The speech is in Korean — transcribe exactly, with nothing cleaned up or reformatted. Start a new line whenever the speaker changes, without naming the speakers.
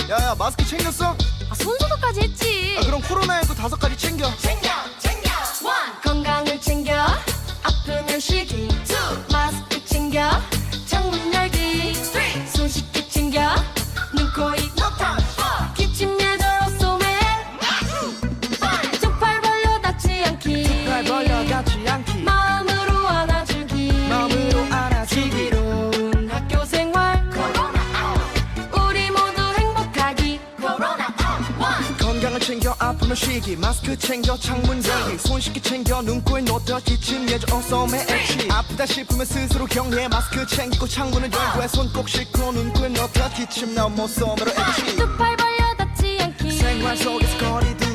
야야 마스크 챙겼어?
아, 손소독까지 했지.
아, 그럼 코로나십구 다섯 가지 챙겨.
챙겨 챙겨. 원. 건강을 챙겨. 아프면 쉬기. 투. 마스크 챙겨. 창문 열기. 쓰리. 손 씻기 챙겨. 눈, 코, 입.
No touch.
어. 기침 예절 옷소매. 두 팔 벌려 닿지 않기.
날 벌려 닿지 않기.
마음으로 안아주기.
마음으로 안아주기.
즐거운 학교 생활. 코로나 아웃. 우리 모두 행복하기. 코로나 아웃. 원.
건강을 챙겨 아프면 쉬기. 마스크 챙겨 창문 열기. 손 씻기 챙겨 눈, 코에 놓다 기침 예절 옷소매 액치. 아프다 싶으면 스스로 격리해. 마스크 챙기고 창문을 열고 해. 손 꼭 씻고 눈, 코에 놓다 기침 나온 옷소매로 액치.
두 팔 벌려 닿지 않기.
생활 속에서 거리두기